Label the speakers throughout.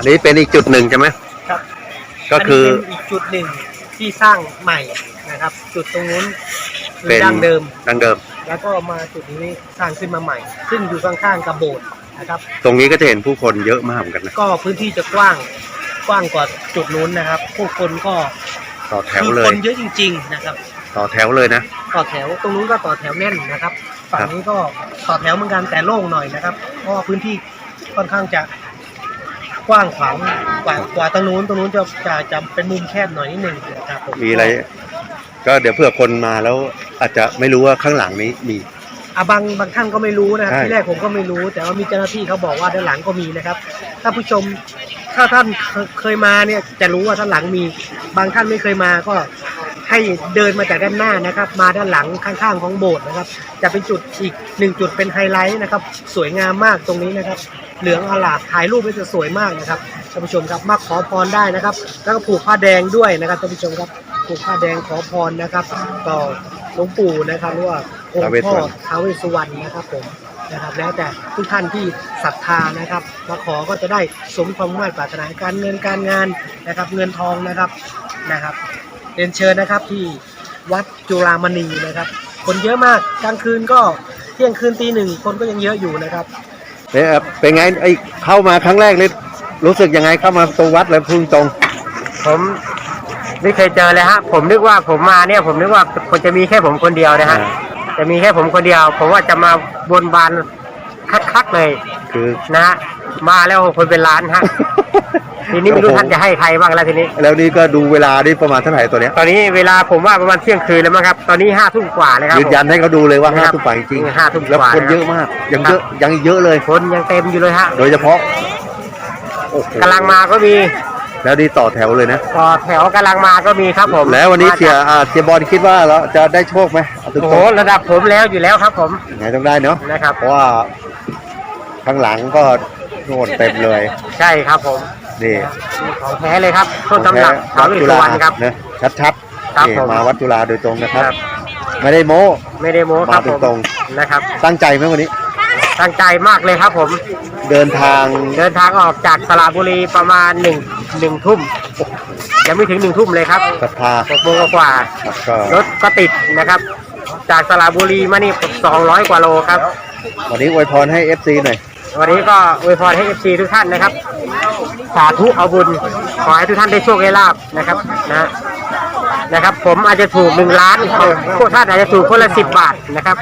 Speaker 1: อันนี้เป็นอีกจุดหนึ่งใช่ไหม
Speaker 2: ครับ
Speaker 1: ก็คือ
Speaker 2: เป็นอีกจุดหนึ่งที่สร้างใหม่นะครับจุดตรงนู้น
Speaker 1: เป็น
Speaker 2: ดั้งเดิมแล้วก็มาจุดนี้สร้างขึ้นมาใหม่ซึ่งอยู่ข้างๆกับโบสถ์นะครับ
Speaker 1: ตรงนี้ก็จะเห็นผู้คนเยอะมากเหมือนกันนะ
Speaker 2: ก็พื้นที่จะกว้างกว่าจุดนู้นนะครับผู้คนก็
Speaker 1: ต่อแถวเลย
Speaker 2: คนเยอะจริงๆนะครับ
Speaker 1: ต่อแถวเลยนะ
Speaker 2: ต่อแถวตรงนู้นก็ต่อแถวแน่นนะครับฝั่งนี้ก็ต่อแถวเหมือนกันแต่โล่งหน่อยนะครับเพราะพื้นที่ค่อนข้างจะกว้างขวางกว่าตรงนู้นจะเป็นมุมแคบหน่อยนิดหนึ่งนะครับ
Speaker 1: มีอะไรก็เดี๋ยวเผื่อคนมาแล้วอาจจะไม่รู้ว่าข้างหลังนี้มี
Speaker 2: บางท่านก็ไม่รู้นะครับที่แรกผมก็ไม่รู้แต่ว่ามีเจ้าหน้าที่เขาบอกว่าด้านหลังก็มีนะครับถ้าผู้ชมถ้าท่านเคยมาเนี่ยจะรู้ว่าด้านหลังมีบางท่านไม่เคยมาก็ให้เดินมาจากด้านหน้านะครับมาด้านหลังข้างๆของโบสถ์นะครับจะเป็นจุดอีก1จุดเป็นไฮไลท์นะครับสวยงามมากตรงนี้นะครับเหลืองอลามถ่ายรูปมันจะสวยมากนะครับท่านผู้ชมครับมาขอพรได้นะครับแล้วก็ผูกผ้าแดงด้วยนะครับท่านผู้ชมครับผูกผ้าแดงขอพรนะครับต่อหลวงปู่นะครับหรือว่าองค์พ่อท้าวเวสสุวรรณนะครับผมนะครับแล้วแต่ทุกท่านที่ศรัทธานะครับมาขอก็จะได้สมความมุ่งมั่นปรารถนาการเงินการงานนะครับเงินทองนะครับเรียนเชิญนะครับที่วัดจุฬามณีนะครับคนเยอะมากกลางคืนก็เที่ยงคืนตี 1คนก็ยังเยอะอยู่นะครับ
Speaker 1: เป็นไงไอ้เข้ามาครั้งแรกเลยรู้สึกยังไงเข้ามาตรงวัดแล้วพึ่งตรง
Speaker 2: ผมไม่เคยเจอเลยฮะผมนึกว่าผมมาเนี่ยผมนึกว่าคนจะมีแค่ผมคนเดียวนะฮะจะมีแค่ผมคนเดียวผมว่าจะมาบนบานคักเลย
Speaker 1: คือ
Speaker 2: นะฮะมาแล้วคนเป็นล้านฮะทีนี้ไม่รู้ท่านจะให้ใครบ้างแล้วทีนี้
Speaker 1: แล้วนี่ก็ดูเวลานี่ประมาณเท่าไหร่ตัวเนี้ย
Speaker 2: ตอนนี้เวลาผมว่าประมาณเที่ยงคืนแล้วมั้งครับตอนนี้5 ทุ่มกว่าเลยครับ
Speaker 1: ยืนยันให้เขาดูเลยว่า5 ทุ่มกว่าจริง
Speaker 2: 5 ทุ่ม
Speaker 1: แล้วคนเยอะมากยังเยอะเลย
Speaker 2: คนยังเต็มอยู่เลยฮะ
Speaker 1: โดยเฉพาะ
Speaker 2: กำลังมาก็มี
Speaker 1: แล้วนี่ต่อแถวเลยนะ
Speaker 2: ต่อแถวกำลังมาก็มีครับผม
Speaker 1: แล้ววันนี้เสียบอลคิดว่าเราจะได้โชคไหม
Speaker 2: โอ้โหระดับผมแล้วอยู่แล้วครับผม
Speaker 1: ไงต้องได้เนาะ
Speaker 2: นะครับ
Speaker 1: เพราะว่าข้างหลังก็โน่นเต็มเลย
Speaker 2: ใช่ครับผม
Speaker 1: นี่
Speaker 2: ของแท้เลยครับต้นตำรับท้าวเวสสุวรรณครับ
Speaker 1: นะชัดๆนี่มาวัดจุฬาโดยตรงนะครับไม่ได้โม้
Speaker 2: ครับผม
Speaker 1: ตรง
Speaker 2: นะครับ
Speaker 1: ตั้งใจไหมวันนี้
Speaker 2: ตั้งใจมากเลยครับผม
Speaker 1: เดินทาง
Speaker 2: ออกจากสระบุรีประมาณ1 ทุ่มยังไม่ถึง1 ทุ่มเลยครับ
Speaker 1: ศรัทธา
Speaker 2: 6 โมงกว่ารถก็ติดนะครับจากสระบุรีมานี่200 กว่าโลครับ
Speaker 1: วันนี้อวยพรให้ FC หน่อย
Speaker 2: วันนี้ก็อวยพรให้ FC ทุกท่านนะครับสาธุเอาบุญขอให้ทุกท่านได้โชคได้ลาภนะครับนะครับผมอาจจะถูก1 ล้านพวกท่านอาจจะถูกคนละ10 บาทนะครับ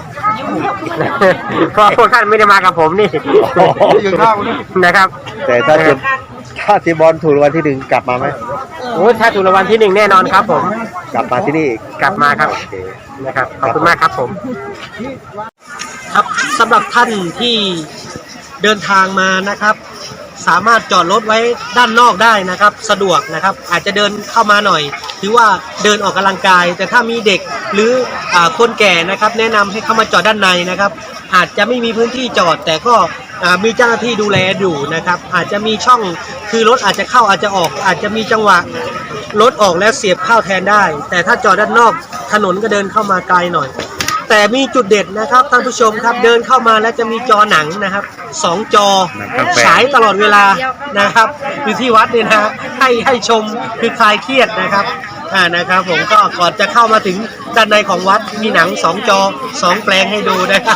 Speaker 2: เพราะพวกท่านไม่ได้มากับผมนี่นะครับ
Speaker 1: แต่ถ้าเสียบอลถูกรางวัลที่1กลับมาไหม
Speaker 2: โอ้ถ้าถูกรางวัลที่1แน่นอนครับผม
Speaker 1: กลับมาที่นี่
Speaker 2: กลับมาครับนะครับขอบคุณมากครับผมครับสำหรับท่านที่เดินทางมานะครับสามารถจอดรถไว้ด้านนอกได้นะครับสะดวกนะครับอาจจะเดินเข้ามาหน่อยถือว่าเดินออกกำลังกายแต่ถ้ามีเด็กหรือคนแก่นะครับแนะนำให้เข้ามาจอดด้านในนะครับอาจจะไม่มีพื้นที่จอดแต่ก็มีเจ้าหน้าที่ดูแลอยู่นะครับอาจจะมีช่องคือรถอาจจะเข้าอาจจะออกอาจจะมีจังหวะรถออกแล้วเสียบเข้าแทนได้แต่ถ้าจอดด้านนอกถนนก็เดินเข้ามาไกลหน่อยแต่มีจุดเด็ดนะครับท่านผู้ชมครับเดินเข้ามาแล้วจะมีจอหนังนะครับ2 จอฉายตลอดเวลานะครับอยู่ที่วัดเนี่ยนะให้ชมคือคลายเครียดนะครับนะครับผมก็ก่อนจะเข้ามาถึงด้านในของวัดมีหนัง2 จอ 2 แปลงให้ดูนะครับ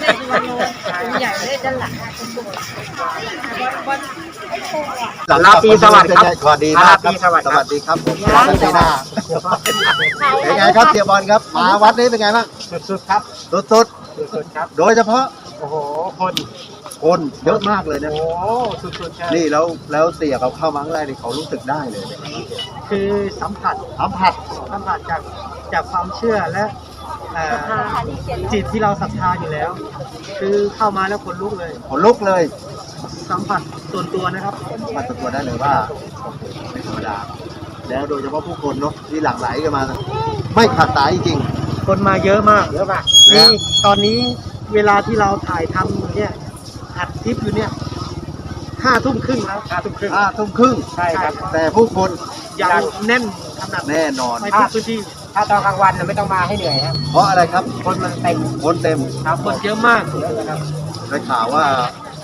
Speaker 2: ลาปีสวัสดีครับ
Speaker 1: สวัสดีครับสวัสดีครับผมวัดปีหน้าเป็นไงครับเสียบอลครับมาวัดนี้เป็นไงบ้าง
Speaker 2: สุดๆครับ
Speaker 1: สุด
Speaker 2: ครับ
Speaker 1: โดยเฉพาะ
Speaker 2: โอ้โห
Speaker 1: คนเยอะมากเลยนะ
Speaker 2: โอ้สุดๆ
Speaker 1: นี่แล้วเสียเขาเข้ามาข้างในนี่เขารู้สึกได้เลย
Speaker 2: คือสัมผัสจากความเชื่อและจิตที่เราศรัทธาอยู่แล้วคือเข้ามาแล้วขนลุกเลยสัมผัสส่วนตัวนะครับ
Speaker 1: สัมผัสส่วนตัวได้เลยว่าไม่ธรรมดาแล้วโดยเฉพาะผู้คนเนาะที่หลั่งไหลกันมาไม่ขาดสายจริง
Speaker 2: คนมาเยอะมากนี่ตอนนี้เวลาที่เราถ่ายทำเนี่ยอัดคลิปอยู่เนี่ย5 ทุ่มครึ่งแล้ว5 ทุ่มครึ่ง
Speaker 1: ใช่ครับแต่ผู้คน
Speaker 2: ยังแน่นขนาด
Speaker 1: แน่นอน
Speaker 2: ไม่ทุกพื้นที่ถ้าตอนกลางวันไม่ต้องมาให้เหนื่อยครับ
Speaker 1: เพราะอะไรครับ
Speaker 2: คนมันเต็ม
Speaker 1: ครับ
Speaker 2: คนเยอะมาก
Speaker 1: นะครับได้ข่าวว่า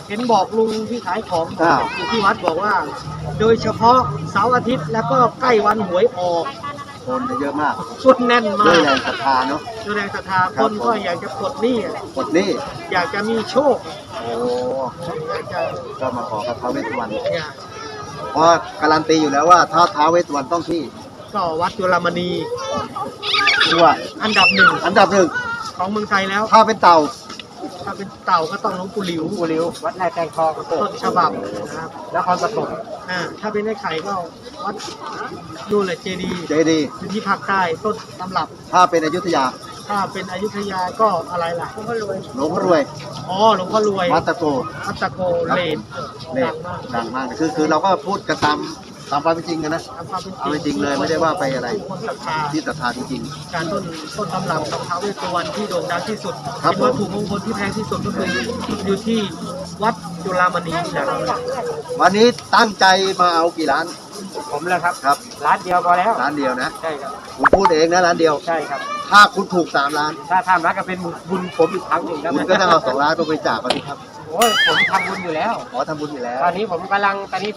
Speaker 2: เห็นบอกลุงที่ขายของ
Speaker 1: อ้าว
Speaker 2: อยู่ที่วัดบอกว่า โดยเฉพาะเสาร์อาทิตย์แล้วก็ใกล้วันหวยออก
Speaker 1: คนจะเยอะมาก
Speaker 2: คนแน่นมา
Speaker 1: ด้วย
Speaker 2: ก
Speaker 1: แรงศรัทธาเนาะ
Speaker 2: ด้วยแรงศรัทธา
Speaker 1: ค
Speaker 2: ครับ นก็
Speaker 1: ผม
Speaker 2: อยากจะปลดหนี้อะ
Speaker 1: กดหนี่
Speaker 2: อยากจะมีโชค
Speaker 1: โอ้
Speaker 2: อยากจะ
Speaker 1: ก็มาขอกับท้าวเวสสุวรรณ
Speaker 2: อยาก
Speaker 1: เพราะการันตีอยู่แล้วว่าถ้าท้าวเวสสุวรรณต้องที่
Speaker 2: ก็วัดจุฬามณี
Speaker 1: ตัว
Speaker 2: อันดับหนึ่ง
Speaker 1: อันดับหนึ่ง
Speaker 2: ของเมืองไทยแล้ว
Speaker 1: ถ้าเป็นเต่า
Speaker 2: ถ้าเป็นเต่าก็ต้องหลวงปู่หลิว
Speaker 3: กูริ้ววัดแรกแกงทอง
Speaker 2: ต้นฉบับนะครับ
Speaker 3: นครปฐม
Speaker 2: ถ้าเป็นไอ้ไข่ก็วัดนู่นแหละเจดีย์
Speaker 1: เจดีย์
Speaker 2: อยู่ที่ภาคใต้ต้นตำรับ
Speaker 1: ถ้าเป็นอยุธยา
Speaker 2: ถ้าเป็นอยุธยาก็อะไรล่ะหลวงพ่อรวย
Speaker 1: หลวงพ่อรวย
Speaker 2: อ๋อหลวงพ่อรวย
Speaker 1: วัดตะโก
Speaker 2: วัดตะโกเลน
Speaker 1: เนี่
Speaker 2: ดั
Speaker 1: ย
Speaker 2: งมาก
Speaker 1: ดังมากคือเราก็พูดกันตามความเป็นจริงกันนะ
Speaker 2: ตามความเป็น
Speaker 1: เอาจริงเลยไม่ได้ว่าไปอะไร
Speaker 2: คนศรัทธา
Speaker 1: ที่ศรัทธาจริง
Speaker 2: การต้นตำรับของท้าวเวสสุวรรณที่โด่งดังที่สุด
Speaker 1: ครับ
Speaker 2: เป็นวัตถุมงคลที่แพงที่สุดก็คืออยู่ที่วัดจุฬามณีนี่แหละครับ
Speaker 1: ๆ วันนี้ตั้งใจมาเอากี่ร้าน
Speaker 3: ผมเลยครับ
Speaker 1: ครับ
Speaker 3: ร้านเดียวพอแล้ว
Speaker 1: ร้านเดียวนะ
Speaker 3: ใช่ครับ
Speaker 1: คุณพูดเองนะร้านเดียว
Speaker 3: ใช่ครับ
Speaker 1: ถ้าคุณถูก3 ล้าน
Speaker 3: ถ้าทำร้านก็เป็นบุญผมอีกครั้งหนึ่งครับ
Speaker 1: คุณก็ต้องเอา2 ล้านไปบริจาคมาสิครับ
Speaker 3: โอ้ยผมทำบุญอยู่แล้ว
Speaker 1: ขอทำบุญอยู่แล้ว
Speaker 3: ตอนนี้ผมกำลัง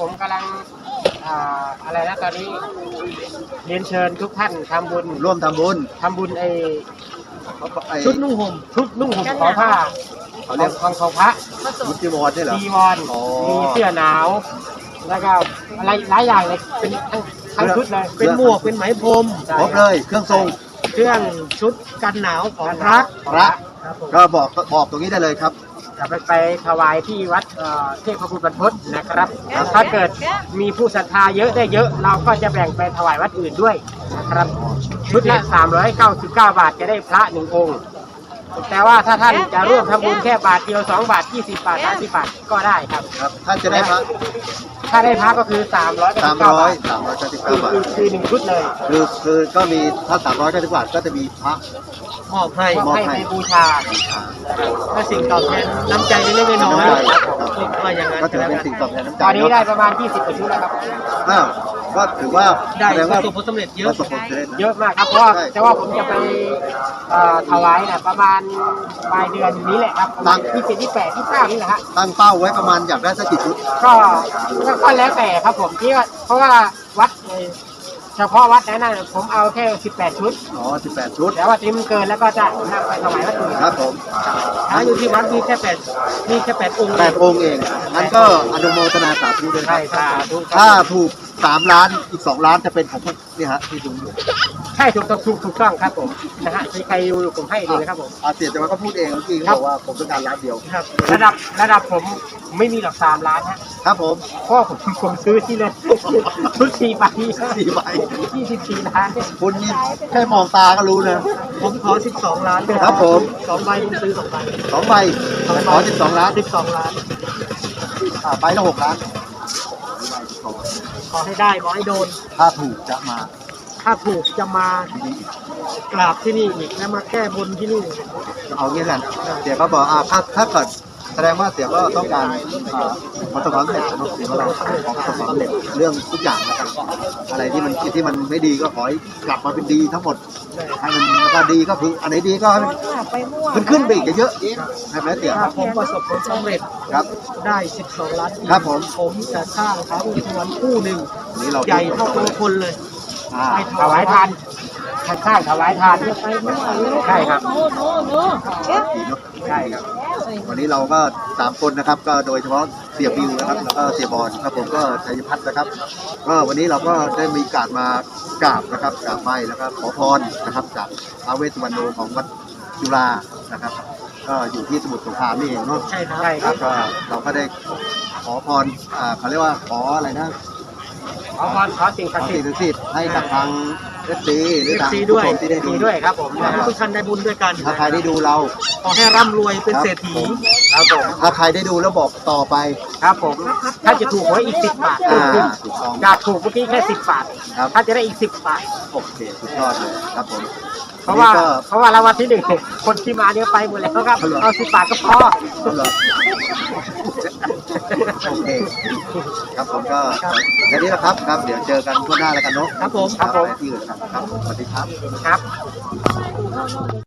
Speaker 3: อะไรนะตอนนี้เรียนเชิญทุกท่านทำบุญ
Speaker 1: ร่วมทำบุญ
Speaker 3: ทำบุญ
Speaker 1: ไอ้
Speaker 2: ชุดนุ่งห่ม
Speaker 3: ชุดนุ่งห่มขอผ้า
Speaker 1: เขาเรียก
Speaker 3: ของพระ
Speaker 1: มุติวรนี่เหรอ
Speaker 3: จีวร
Speaker 1: อ๋อ
Speaker 3: มีเสื้อหนาว แล้วก็อะไรหลายอย่างเลยเป็นทั้งชุดเลย
Speaker 2: เป็นหมวกเป็นไหมพรม
Speaker 1: ครบเลยเครื่องทรง
Speaker 2: เครื่องชุดกันหนาวของพระ
Speaker 1: พระ
Speaker 2: ครับผม
Speaker 1: ก็บอกตรงนี้ได้เลยครับ
Speaker 3: จะไปถวายที่วัดเทพบุตรบรรพตนะครับ ถ้าเกิดมีผู้ศรัทธาเยอะได้เยอะ เราก็จะแบ่งไปถวายวัดอื่นด้วยนะครับ ชุดละ399 บาทจะได้พระ1 องค์ แต่ว่าถ้าท่านจะร่วมทำบุญแค่บาทเดียว2 บาท 20 บาท 30 บาทก็ได้ครับ
Speaker 1: ครับท่านจะได้พระ
Speaker 3: ถ้าได้พระก็คือ399 บาท
Speaker 1: 399 บาท
Speaker 3: คือ1 ชุดเลย
Speaker 1: คือก็มีถ้า399 บาทก็จะมีพระ
Speaker 2: มอบให้
Speaker 3: มอบให้ในบูชา
Speaker 2: ก็สิ่งตอบแทนน้ำใจเล็กๆน้อย
Speaker 1: น้ำใจ
Speaker 2: ๆ
Speaker 1: ครับ
Speaker 2: ว่าอย่างนั้น
Speaker 1: ก็ถือ
Speaker 2: แล้ว
Speaker 1: เป็น
Speaker 2: กัน
Speaker 1: สิ่งตอบแทนน้ำใจ
Speaker 3: ตอนนี้
Speaker 1: เนาะ
Speaker 3: ได้ประมาณ20 กว่าชุดแล้วครับ
Speaker 1: อ้าวก็ถือว่า
Speaker 2: ได้
Speaker 1: แสดง
Speaker 2: ป
Speaker 1: ว่า
Speaker 2: ระสบผลสำเร็จเย
Speaker 1: ป
Speaker 2: อะ
Speaker 1: ระสบผลสำเร็จ
Speaker 3: เยอะมากครับ เพราะว่าแต่ว่าผมจะไปถวายประมาณปลายเดือนนี้แหละครับประมาณ27 28 29นี่แหละฮะ
Speaker 1: ตั้งเป้าไว้ประมาณอยากได้สักกี่ชุด
Speaker 3: ก็แล้วแต่ครับผมที่ว่าเพราะว่าวัดเฉพาะวัดนั้นนะผมเอาแค่18 ชุด
Speaker 1: อ๋อ18 ชุด
Speaker 3: แต่ว่าที่มันเกินแล้วก็จะนำไปถวายวัดอื่น
Speaker 1: ครับผม
Speaker 2: หาอยู่ที่วัดมีแค่8องค์
Speaker 1: 8 องค์เองงั้นก็อนุโมทนาสาธุด้วยค
Speaker 3: ใช่
Speaker 1: รับ
Speaker 3: สาธุ
Speaker 1: ถ้าถูก3 ล้านอีก2 ล้านจะเป็นของพวกนี่ฮะที่ดูอยู่
Speaker 3: ใช่ถูกต้องครับผมนะฮะมีใครอยู่ผมให้เลยนะครับผม
Speaker 1: เสียแต่ว่าก็พูดเองเมื่อกี้
Speaker 3: ครั
Speaker 1: เขา
Speaker 3: บ
Speaker 1: บอกว่าผมต้องการล้านเดียว
Speaker 2: ครับ
Speaker 3: ระดับผมไม่มีหรอก3 ล้านฮะ
Speaker 1: ครับผม
Speaker 3: เพราะผมซื้อที่เลยชุด4 ใบ
Speaker 1: 4 ใบ
Speaker 3: 24 ล้านเนี่ย
Speaker 1: คุณนี่แค่มองตาก็รู้นะ
Speaker 2: ผมขอ12 ล้าน
Speaker 1: ครับผม
Speaker 2: 2 ใบผมซื้อ2 ใบ
Speaker 1: 2 ใบขอ12 ล้าน
Speaker 2: 12 ล้าน
Speaker 1: ใบละ6 ล้าน
Speaker 2: ขอให้ได้ขอให้โดน
Speaker 1: ถ้าถูกจะมา
Speaker 2: ถ้าถูกจะมากราบที่นี่อีกและมาแก้บนที่นี่
Speaker 1: เอางี้กันเสียก็บอกถ้าเกิดแสดงว่าเสียก็ต้องการประสบความสำเร็จนะเสียก็เราขอประสบความสำเร็จเรื่องทุกอย่างนะครับอะไรที่มันไม่ดีก็ขอให้กลับมาเป็นดีทั้งหมดให้มันแล้วก็ดีก็คืออันไหนดีก็ให้มันขึ้นไปอีกเยอะๆใช่ไหมเสีย
Speaker 2: ถ้าผมประสบผลสำเร็จ
Speaker 1: ครับ
Speaker 2: ได้12 ล้านอีก
Speaker 1: ครับผม
Speaker 2: ผมจะสร้างท้าวเวสสุวรรณคู่หนึ่ง
Speaker 1: อันนี้เรา
Speaker 2: ใหญ่เท่าตัวคนเลย
Speaker 1: ไป
Speaker 3: ถวายทานข้างๆถวายทานใช่ครับ
Speaker 1: ใช่ครับวันนี้เราก็3 คนนะครับก็โดยเฉพาะเสียบิวนะครับแล้วก็เสียบอลครับผมก็ชัยพัฒน์นะครับก็วันนี้เราก็ได้มีการมากราบนะครับกราบไหว้แล้วก็ขอพรนะครับจากท้าวเวสสุวรรณของวัดจุฬานะครับก็อยู่ที่สมุทรสงครามนี่เองเนาะ
Speaker 2: ใช่ครับ
Speaker 3: ใช่ค
Speaker 1: ค
Speaker 3: รั
Speaker 1: รั
Speaker 3: บบ
Speaker 1: ก็เราก็ได้ขอพรเขาเรียกว่าขออะไรนะ
Speaker 3: ขอพรขอสิ่ง
Speaker 1: ข
Speaker 3: ศั
Speaker 1: อก
Speaker 3: ดิ์สิ
Speaker 1: สิ่
Speaker 3: ท
Speaker 1: ง
Speaker 3: ธิ์
Speaker 1: ศักดิ์สิทธิ์ให้กับทางเอฟซีหรือทาง
Speaker 2: FC
Speaker 1: ผู้
Speaker 2: ด้วย
Speaker 1: ชมที่ได้ดู
Speaker 3: ดีด้วยครับผม
Speaker 2: ให้ทุกท่านได้บุญด้วยกัน
Speaker 1: ถ้าใครได้ดูเรา
Speaker 2: ขอให้ร่ำรวยเป็นเศรษฐี
Speaker 3: ครับผม
Speaker 1: ถ้าใครได้ดูแล้วบอกต่อไป
Speaker 3: ครับผมถ้าจะถูกหวยอีก10 บาท
Speaker 1: ถูกต้อง
Speaker 3: จากถูกเมื่อกี้แค่10 บาท
Speaker 1: ครับ
Speaker 3: ถ้าจะได้อีก10 บาท
Speaker 1: โอเคสุดยอดเลยครับผม
Speaker 3: เพราะว่า
Speaker 1: วันนี้ก็
Speaker 3: เพราะว่ารางวัลที่ 1คนที่มาเนี่ยไปหมดแล้วครับเอา10 บาทก็พอ
Speaker 1: เอาเหรอโอเคครับผมก็แค่นี้แหละครับครับ เดี๋ยวเจอกันทั่วหน้าแล้วกันเนาะ
Speaker 2: ครับผม
Speaker 1: ครับที่อื่นนะครับครับสวัสดีครับ
Speaker 3: ครับ